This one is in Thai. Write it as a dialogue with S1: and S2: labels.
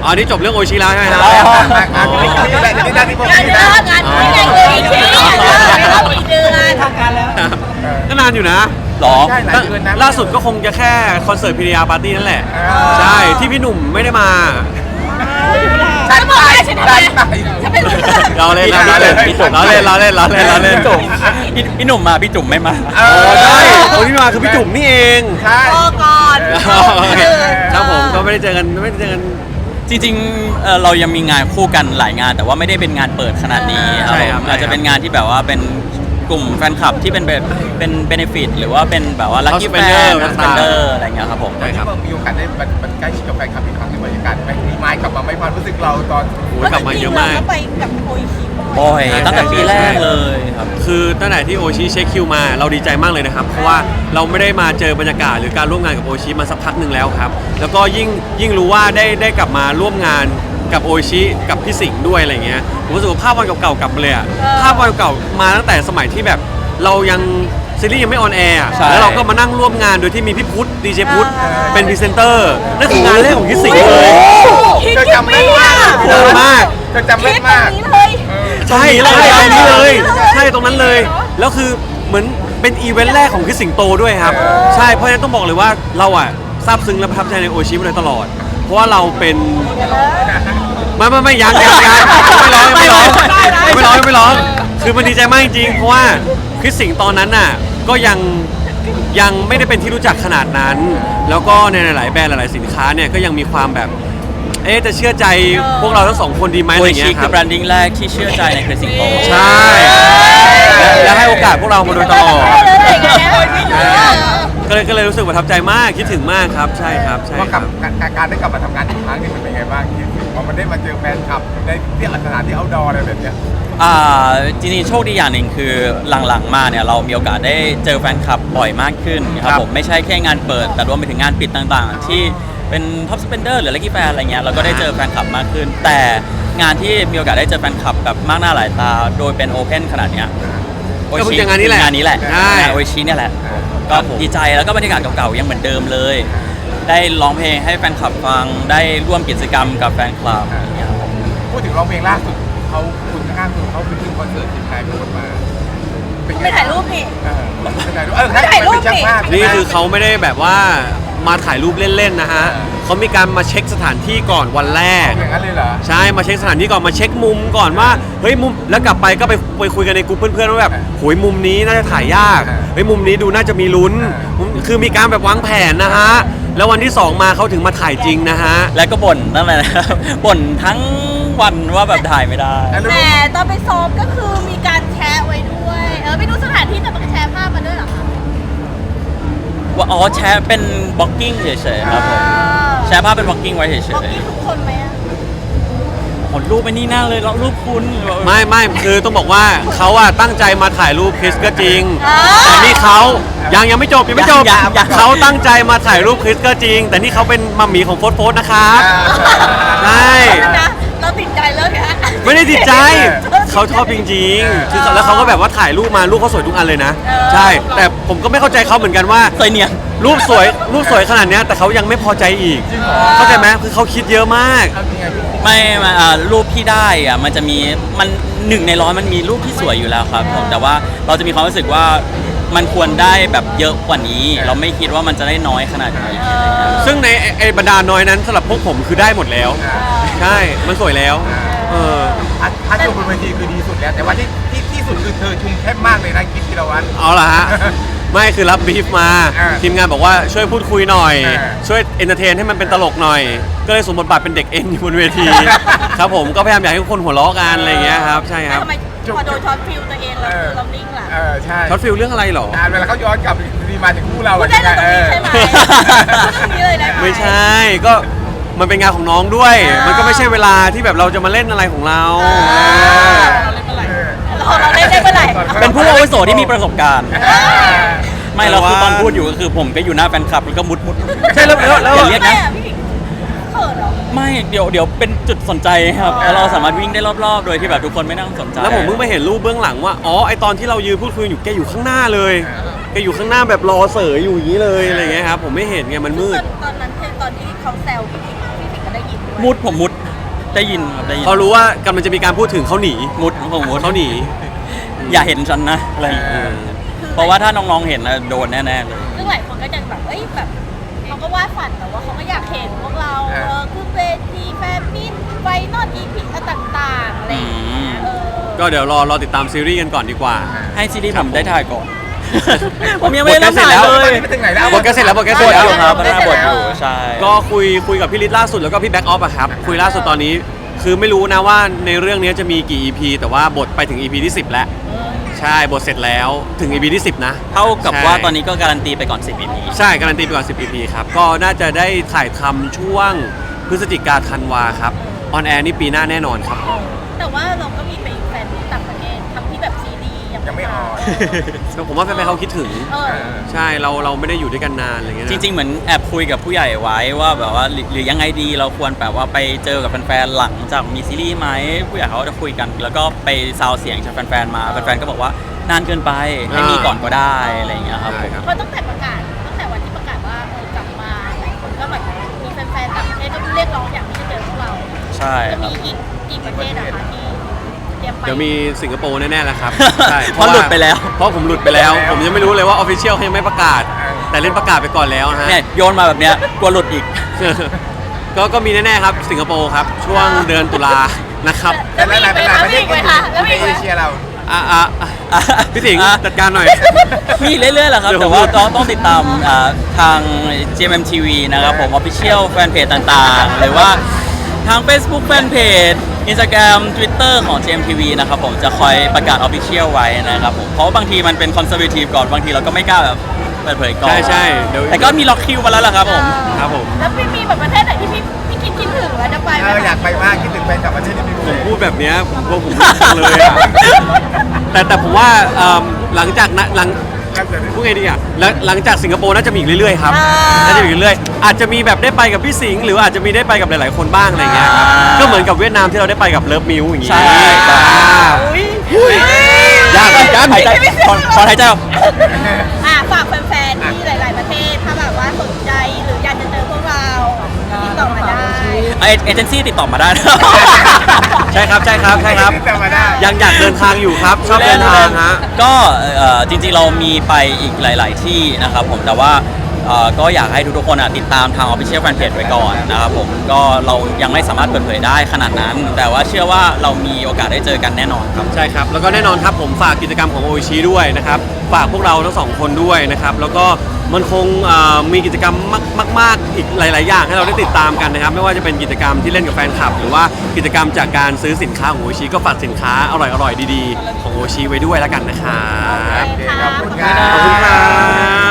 S1: อ๋อนี่จบเรื่องโอชิแล้วใช่ไหมครับ
S2: นี่แหละที่ด้านที่ผมนี่นะ
S3: งานไม่ได้เลยชี้แล้วอีกเดือนทางการแล้ว
S1: ก็นานอยู่นะ
S4: หรอ
S2: ใช่หลายเดือนนะ
S1: ล่าสุดก็คงจะแค่คอนเสิร์ตพีดีอาร์ปาร์ตี้นั่นแหละใช่ที่พี่หนุ่มไม่ได้มา
S2: ฉันไปฉันไป
S1: เราเล่นเราเล่นเราเล่นเราเล่นเราเล่นเราเล่น
S4: พี่หนุ่มมาพี่จุ๋มไม่มา
S1: โอ้ใช่คนที่มาคือพี่จุ๋มนี่เอง
S2: ใช่
S3: พอก่อน
S1: ครับผมก็ไม่ได้เจอกันไม่ได้เจอกัน
S4: จริงๆเรายังมีงานคู่กันหลายงาน แต่ว่าไม่ได้เป็นงานเปิดขนาดนี้
S1: ใช่ครับ
S4: อาจจะเป็นงานที่แบบว่าเป็นกลุ่มแฟนคลับที่เป็นแบบเป็นเบเนฟิตหรือว่าเป็นแบบว่าลัคกี้แฟน
S1: Spender
S4: สเปนเดอร์อะไรเงี้ยครับผม
S1: ใช่ครับ
S2: มีโอกาสได้มันใกล้ชิดกับแฟนคลับอีกครั้งในบรรยากาศไปมีไม้กลับมาไม่ความรู้สึกเราตอน
S1: โอ้ยกลับมาเยอะมาก
S3: ไปกับโอยชิ
S4: บ่อยตั้งแต่ปีแรกเลยครับ
S1: คือตั้งแต่ที่โอชิเช็คคิวมาเราดีใจมากเลยนะครับ เพราะว่าเราไม่ได้มาเจอบรรยากาศหรือการร่วมงานกับโอชิมาสักพักหนึ่งแล้วครับ แล้วก็ยิ่งรู้ว่าได้กลับมาร่วมงานกับโอชิกับพี่สิงห์ด้วยอะไรเงี้ยผมรู้สึกว่าภาพวันเก่าๆกลับมาเลยอะภาพวันเก่ามาตั้งแต่สมัยที่แบบเรายังซีรีส์ยังไม่ออนแอร์อะ
S4: ใช่
S1: แล้วเราก็มานั่งร่วมงานโดยที่มีพี่พุทธดีเจพุทธเป็นพรีเซนเตอร์นั่นคืองานแรกของพี่สิงห์เลย
S2: เธอจำได้มาก
S1: โหดมาก
S2: เธอจำได้
S3: คิดตร
S2: มาง ก
S3: นี้เลย
S1: ใช่เลยตรงนี้เลยใช่ตรงนั้นเลย แล้วคือเหมือนเป็นอีเวนต์แรกของพี่สิงโตด้วยครับ ใช่เพราะฉะนั้นต้องบอกเลยว่าเราอ่ะซาบซึ้งและประทับใจในโอชิมาโดยตลอด เพราะว่าเราเป็นไม่ยังไม่ร้องคือมันดีใจมากจริงๆเพราะว่าคริสสิงห์ตอนนั้นน่ะก็ยังไม่ได้เป็นที่รู้จักขนาดนั้น แล้วก็ในหลายๆแบรนด์หลายๆสินค้าเนี่ยก็ยังมีความแบบจะเชื่อใจพวกเราทั้งสองคนดีไหม
S4: โอ
S1: อะไร
S4: ชิ
S1: เงี้ยค
S4: คื
S1: รั
S4: อบ แบรนดิ้งแรกที่เชื่อใจในคริสสิงโต
S1: ใช่และให้โอกาสพวกเรามาโดยตลอดก็เลยรู้สึกประทับใจมากคิดถึงมากครับใช่ครับใช่
S2: ว่า
S1: ค
S2: กั
S1: รั
S2: บบ การได้กลับมาทำงานอีกครั้งนี่มันเป็นไงบ้างคิดว่ามันได้มาเจอแฟนคลับในที่สถานที่เอาดออะไรแบบเนี้ย
S4: จริงๆโชคดีอย่างหนึ่งคือหลังๆมาเนี่ยเรามีโอกาสได้เจอแฟนคลับบ่อยมากขึ้นครับผมไม่ใช่แค่งานเปิดแต่รวมไปถึงงานปิดต่างๆ ที่เป็นท็อปสเปนเดอร์หรือลัคกี้แฟนอะไรเงี้ยเราก็ได้เจอแฟนคลับมากขึ้น แต่งานที่มีโอกาสได้เจอแฟนคลับแบบมากหน้าหลายตาโดยเป็นโอเพนขนาดเนี้ย
S1: ก็เพิ่งจะงานนี้แหละ
S4: งานนี้แหละ
S1: ใช่
S4: งานโอชิเนี่ยแหละก็ดีใจแล้วก็บรรยากาศเก่าๆยังเหมือนเดิมเลย ได้ร้องเพลงให้แฟนคลับฟังได้ร่วมกิจกรรมกับแฟนคลับอย่างเงี้ยครับผม
S2: พูดถึงร้องเพลงล่าสุดเขาคุณข้างๆคุณเขาไปขึ้นคอนเสิร์ตทีมไทยโพสมาเป็นไง
S3: ไปถ่ายรูปนี่
S2: ไปถ่ายรูปเป็นช่างภาพ
S1: นี่คือเขาไม่ได้แบบว่ามาถ่ายรูปเล่นๆนะฮะเขามีการมาเช็คสถานที่ก่อนวันแรก
S2: อย่างนั้นเลยเหรอ
S1: ใช่มาเช็คสถานที่ก่อนมาเช็คมุมก่อนว่าเฮ้ยมุมแล้วกลับไปก็ไปคุยกันในกลุ่มเพื่อนๆว่าแบบโหยมุมนี้น่าจะถ่ายยากเฮ้ยมุมนี้ดูน่าจะมีลุ้นคือมีการแบบวางแผนนะฮะแล้ววันที่สองมาเขาถึงมาถ่ายจริงนะฮะ
S4: แล้วก็บ่นนั่นแหละนะครับ บ่นทั้งวันว่าแบบถ่ายไม่ได้
S3: แต่ตอนไปซ้อมก็คือมีการแชร์ไว้ด้วยไปดูสถานที่แต่มันก็แชร์ภาพมาด้วยเหรอคะ
S4: ว่าอ๋อแชร์เป็นบล็อกกิ้งเฉยๆครับผมแชร์ภาพเป็นบล็อกกิ้งไว้เฉย
S3: บอกกี้ทุกคนไหมอะ
S4: ๆผลรูปไปนี่หน้าเลยแล้วรูปคุณ
S1: ไม่คือต้องบอกว่าเขาอะตั้งใจมาถ่ายรูปคริสก็จริงแต่นี่เขายังไม่จบเขาตั้งใจมาถ่ายรูปคริสก็จริง แต่นี่เขาเป็นมัมหมี่ของโฟสนะครับใช่
S3: นะเราติดใจเรื่องนี้
S1: ไม่ได้ติดใจเขาชอบจริงๆคือแล้วเขาก็แบบว่าถ่ายรูปมารูปเขาสวยทุกอันเลยนะใช่แต่ผมก็ไม่เข้าใจเขาเหมือนกันว่า
S4: สวยเนียน
S1: รูปสวยขนาดเนี้ยแต่เขายังไม่พอใจอีกเข้าใจไหมคือเขาคิดเยอะมาก
S4: ไม่รูปที่ได้อะมันจะมีมัน1 ใน 100มันมีรูปที่สวยอยู่แล้วครับผมแต่ว่าเราจะมีความรู้สึกว่ามันควรได้แบบเยอะกว่านี้ เราไม่คิดว่ามันจะได้น้อยขนาดนี้อะไรเงี้ย
S1: ซึ่งในไอ้บรรดาน้อยนั้นสำหรับพวกผมคือได้หมดแล้ว ใช่มันสวยแล้ว
S2: พัดอยู่บนเวทีคือดีสุดแล้วแต่ว่าที่สุดคือเธอชุมแคบมากเลยนะคิดธีรวัตร
S1: เอาล่ะฮะ ไม่คือรับบรีฟมา ทีมงานบอกว่าช่วยพูดคุยหน่อย ช่วยเอนเตอร์เทนให้มันเป็นตลกหน่อย ก็เลยสวมบทบาทเป็นเด็กเอ็นอยู่บนเวที ครับผมก็พยายามอยากให้ทุกคนหัวเราะกันอะไรอย่างเงี้ยครับใช่ครับ
S3: ทำไมพอโดนช็อตฟิลตัวเองเรานิ่งล่ะ
S2: ใช่
S1: ช็อตฟิลเรื่องอะไรหรอ
S2: เวลาเขาย้อนกลับดีมาถึงคู่เรา
S3: พูดได้เลยตรงนี้ใช่ไหมตรงนี้เลยได้ไหม
S1: ไม่ใช่ก็มันเป็นงานของน้องด้วย มันก็ไม่ใช่เวลาที่แบบเราจะมาเล่นอะไรของเรา
S3: เราเล่นได้เมื่อไหร่
S4: เป็นผู้อาวุโสที่มีประสบการณ์ ไม่แล้วคือตอนพูดอยู่ก็คือผมก็อยู่หน้าแฟนคลับแล้วก็มุด
S1: ใช่แล้ว
S4: อย่าเรียกนะ
S3: พี่เขินเหรอ
S4: ไม่เดี๋ยวเป็นจุดสนใจครับแล้วเราสามารถวิ่งได้รอบๆ โดยที่แบบทุกคนไม่ต้องสนใจ
S1: แล้วผมเพิ่งไปเห็นรูปเบื้องหลังว่าอ๋อไอตอนที่เรายืนพูดคุยอยู่แกอยู่ข้างหน้าเลยแกอยู่ข้างหน้าแบบรอเสยอยู่อย่างนี้เลยอะไรเงี้ยครับผมไม่เห็นไงมันมืด
S3: ตอนนั้นตอนที่เขาแซวพี่ถิงก็ได้ยินด้วย
S4: ผมมุดได้ยินครับได้ยิน
S1: พอรู้ว่ากำลังจะมีการพูดถึงเขาหนี
S4: มุดผมมุด
S1: เขาหนี
S4: อย่าเห็นฉันนะอะไรอย่างเงี้ยเพราะว่าถ้าน้องๆเห็นนะโดนแน่ๆเลย
S3: ซึ่งหลายคนก็จะแบบแบบเขาก็วาดฝันแต่ว่าเขาก็อยากเห็นพวกเราคือเวทีแฟนมิตไฟนอลอีพีต่างๆอะไรอย่างเงี้ย
S1: ก็เดี๋ยวรอติดตามซีรีส์กันก่อนดีกว่า
S4: ให้ซีรีส์
S1: ครั
S4: ผ
S1: บ
S4: มได้ถ่ายก่อน ผมยังไม่ได้เริ่มถ่าย
S1: บท
S4: เล
S1: ใกล้
S4: ย
S2: ไปถึงไหนแล้ว
S1: บทใกล้เสร็จแล้วบทใกล้เสร็จ
S4: บท
S1: แล้
S4: อ
S1: ว
S4: ยู่ครับหน้าบทอยู่ใช่
S1: ก็คุยกับพี่ฤทธิ์ล่าสุดแล้วก็พี่แบ็กออฟอะครับคุยล่าสุดตอนนี้ คือไม่รู้นะว่าในเรื่องนี้จะมีกี่ EP แต่ว่าบทไปถึง EP ที่ 10 แล้วใช่บทเสร็จแล้วถึง EP ที่ 10 นะ
S4: เท่ากับ
S1: ใช่
S4: ว่าตอนนี้ก็การันตีไปก่อน 10 EP
S1: ใช่การันตีไปก่อน 10 EP ครับก็น่าจะได้ถ่ายทำช่วงพฤศจิกาธันวาครับออนแอร์นี่ปีหน้าแน่นอนครับ
S3: แต่ว่าเราก็มีไปแฟนที่ต่างประเทศทำที่แบบซีรีส์
S2: ยังไม่ออน
S1: ผมว่าแฟนๆเขาคิดถึง
S3: เออ
S1: ใช่เราไม่ได้อยู่ด้วยกันนานอะไรเงี้ยนะ
S4: จริง ๆ เหมือนแอบคุยกับผู้ใหญ่ไว้ว่าแบบว่าหรือยังไงดีเราควรแบบว่าไปเจอกับแฟนๆหลังจากมีซีรีส์ไหมผู้ใหญ่เขาก็จะคุยกัน แล้วก็ไปซาวเสียงจากแฟนๆมาแฟนๆก็บอกว่านานเกินไปให้มีก่อนก็ได้อะไรอย่างเงี้ยครับผม
S3: เพราะตั้งแต่ประกาศตั้งแต่วันที่ประกาศว่ากลับมาหลายคนก็แบบมีแฟนๆต่างประเทศก็เรียกร้องอยากที่จะเจอพวกเรา
S4: ใช่
S3: จะ
S4: ครั
S3: มี
S4: บ
S3: อีกกี่ประเทศนะคะที่เตรียมไป
S1: เดี๋ยวมีสิงคโปร์แน่ๆแล้วครับ ใช่
S4: เพราะหลุดไปแล้ว
S1: เพราะผมหลุดไปแล้ว ผมยังไม่รู้เลยว่าออฟฟิเชียลเขายังไม่ประกาศ แต่เล่นประกาศไปก่อนแล้วนะฮะ
S4: เนี่ยโยนมาแบบเนี้ยกลัวหลุดอีก
S1: ก็มีแน่ๆครับสิงคโปร์ครับช่วงเดือนตุลานะครับ
S2: แต่หลายๆประเทศ
S3: แล้วมีอีกไหมคะแล้วมี
S2: ใน
S3: อีกไห
S2: เอ
S3: ม
S2: เชียเรา
S1: พี่สิงห์
S4: อ่ะ
S1: จัดการหน่อย
S4: มีเรื่อยๆแหละครับ
S1: เดี๋ยว
S4: แต่ว่า
S1: ผม
S4: ต้องติดตามทาง GMMTV นะครับผม Official Fanpage ต่างๆ หรือว่าทาง Facebook Fanpage Instagram Twitter ของ GMTV นะครับผมจะคอยประกาศ Official ไว้นะครับผมเพราะว่าบางทีมันเป็น Conservative ก่อนบางทีเราก็ไม่กล้าแบบเปิดเผยก่อน
S1: ใช่เดี๋ยว
S4: แต่ก็มีล็อกคิวมาแล้วล่ะครับผม
S1: ครับผม
S3: แล้วพี่มีแบบประเทศไหนที่พี่คิดถึงแล้วจะไปไหม
S2: อยากไปมากคิดถึงแฟนกลับประเทศที่มี
S1: ผมพูดแบบเนี้ยผมกลัวผมพูดจังเลยอะแต่ผมว่าหลังจากนะพูดไงดีอ่ะหลังจากสิงคโปร์น่าจะมีอีกเรื่อยๆครับน่าจะมีอีกเรื่อยๆอาจจะมีแบบได้ไปกับพี่สิงห์หรืออาจจะมีได้ไปกับหลายๆคนบ้างอะไรเงี้ยครับก็เหมือนกับเวียดนามที่เราได้ไปกับเลิฟมิวอย่างงี้
S4: ใช่
S3: อุ้ย
S1: ยากเหมือนกัน
S4: หายใจถอนหายใจออก
S3: ฝากแฟนๆที่หลาย ๆประเทศถ้าแบบว่าสนใจหรืออยากจะเจอพวกเราติดต่อมาได้
S4: เอเจนซี่ติดต่อมาได้นะ
S1: ใช่ครับ
S2: ที่จะมาได้
S1: ยังอยากเดินทางอยู่ครับชอบเดินทางฮะ
S4: ก็จริงๆเรามีไปอีกหลาย ๆ ที่นะครับผมแต่ว่าก็อยากให้ทุกๆคนติดตามทาง Official Fanpage ไว้ก่อนนะครับผมก็เรายังไม่สามารถเปิดเผยได้ขนาดนั้น แต่ว่าเชื่อว่าเรามีโอกาสได้เจอกันแน่นอนครับ
S1: ใช่ครับแล้วก็แน่นอนครับผมฝากกิจกรรมของโอชิด้วยนะครับฝากพวกเราทั้งสองคนด้วยนะครับแล้วก็มันคงมีกิจกรรมมากๆอีกหลาย ๆ อย่างให้เราได้ติดตามกันนะครับไม่ว่าจะเป็นกิจกรรมที่เล่นกับแฟนคลับ หรือว่ากิจกรรมจากการซื้อสินค้าของโอชิก็ฝากสินค้าอร่อยๆดีๆของโอชิไว้ด้วยแล้วกันนะครับ
S2: ขอบคุณครั
S1: ขอบคุณครับ